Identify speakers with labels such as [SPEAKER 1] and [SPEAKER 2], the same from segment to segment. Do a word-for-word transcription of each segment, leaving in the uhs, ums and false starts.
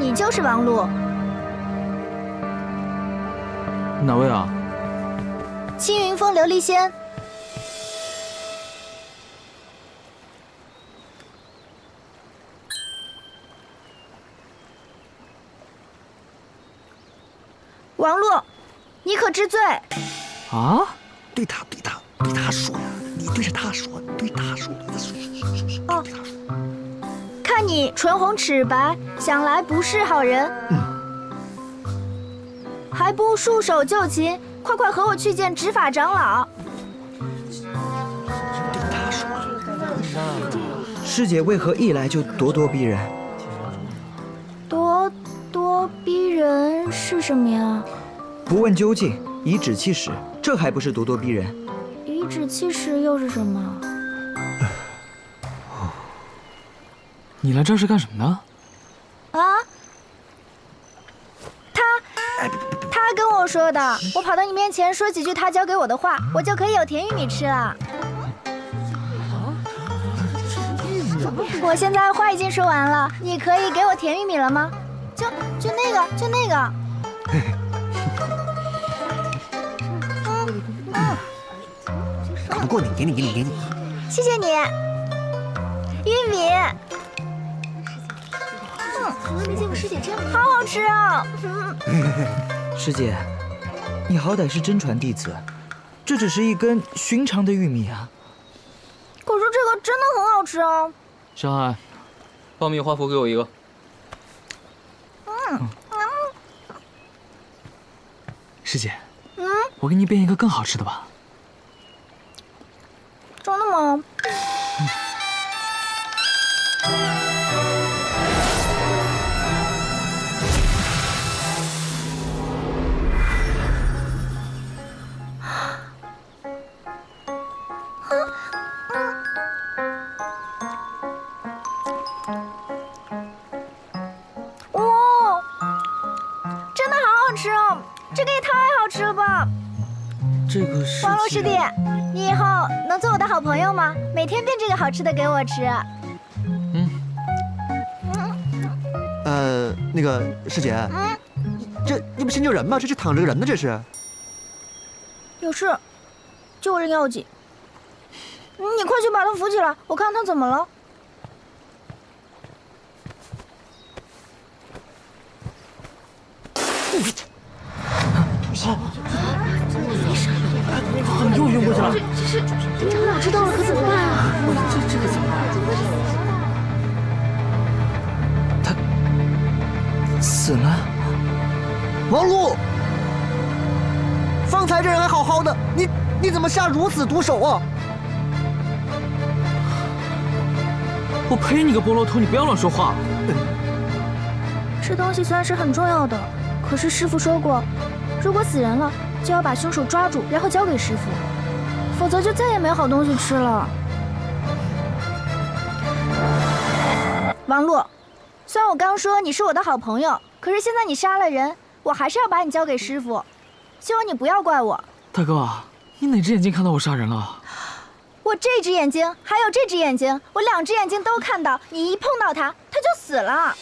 [SPEAKER 1] 你就是王璐。
[SPEAKER 2] 哪位啊？
[SPEAKER 1] 青云峰琉璃仙。王璐，你可知罪？
[SPEAKER 2] 啊？
[SPEAKER 3] 对他，对他，对他说，你对着他说，对他说，对他说，说说说。
[SPEAKER 1] 哦，看你唇红齿白，想来不是好人。
[SPEAKER 3] 嗯，
[SPEAKER 1] 还不束手就擒，快快和我去见执法长老。
[SPEAKER 3] 对他说。
[SPEAKER 4] 师姐为何一来就咄咄逼人？
[SPEAKER 1] 咄咄逼人是什么呀？
[SPEAKER 4] 不问究竟，颐指气使，这还不是咄咄逼人？
[SPEAKER 1] 颐指气使又是什么？
[SPEAKER 2] 你来这儿是干什么的？
[SPEAKER 1] 啊？他他跟我说的，我跑到你面前说几句他教给我的话，我就可以有甜玉米吃了。我现在话已经说完了，你可以给我甜玉米了吗？就就那个，就那个。嗯嗯，
[SPEAKER 3] 打不过你，给你，给你，给你。
[SPEAKER 1] 谢谢你，玉米。嗯，从来没见过师姐这样，好好吃啊！
[SPEAKER 4] 师姐，你好歹是真传弟子，这只是一根寻常的玉米啊。
[SPEAKER 1] 可是这个真的很好吃啊！
[SPEAKER 2] 山海，爆米花脯给我一个。
[SPEAKER 1] 嗯嗯。
[SPEAKER 2] 师姐，
[SPEAKER 1] 嗯，
[SPEAKER 2] 我给你变一个更好吃的吧。
[SPEAKER 1] 真的吗？哇，真的好好吃哦！这个也太好吃了吧！
[SPEAKER 2] 这个是
[SPEAKER 1] 王璐师弟，你以后能做我的好朋友吗？每天变这个好吃的给我吃。
[SPEAKER 2] 嗯。
[SPEAKER 3] 呃，那个师姐，
[SPEAKER 1] 嗯，
[SPEAKER 3] 这你不新救人吗？这是躺着个人呢，这是。
[SPEAKER 1] 有事，救人要紧。你快去把他扶起来，我看他怎么了。
[SPEAKER 2] 又晕过去了。
[SPEAKER 1] 这是长老知道了可怎么办啊？
[SPEAKER 2] 这这个怎么办？
[SPEAKER 4] 他死了。
[SPEAKER 3] 王璐，方才这人还好好的，你你怎么下如此毒手啊？
[SPEAKER 2] 我呸！你个菠萝头，你不要乱说话。
[SPEAKER 1] 吃东西虽然是很重要的，可是师傅说过，如果死人了，就要把凶手抓住，然后交给师傅，否则就再也没有好东西吃了。王璐，虽然我刚说你是我的好朋友，可是现在你杀了人，我还是要把你交给师傅，希望你不要怪我。
[SPEAKER 2] 大哥，你哪只眼睛看到我杀人了？
[SPEAKER 1] 我这只眼睛还有这只眼睛，我两只眼睛都看到，你一碰到他，他就死了。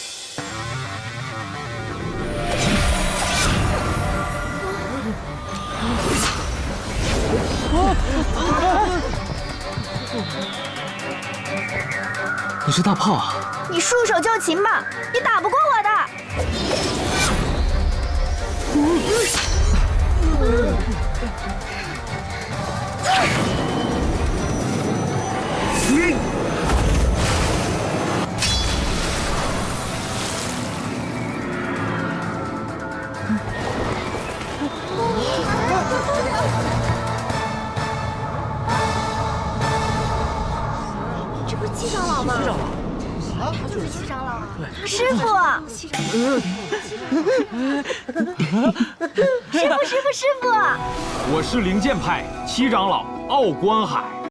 [SPEAKER 2] 你是大炮啊？
[SPEAKER 1] 你束手就擒吧，你打不过我的。这不是七长老吗？七长老。啊，他就是七长老。对，师傅。师傅，师傅，师傅。
[SPEAKER 5] 我是灵剑派七长老傲观海。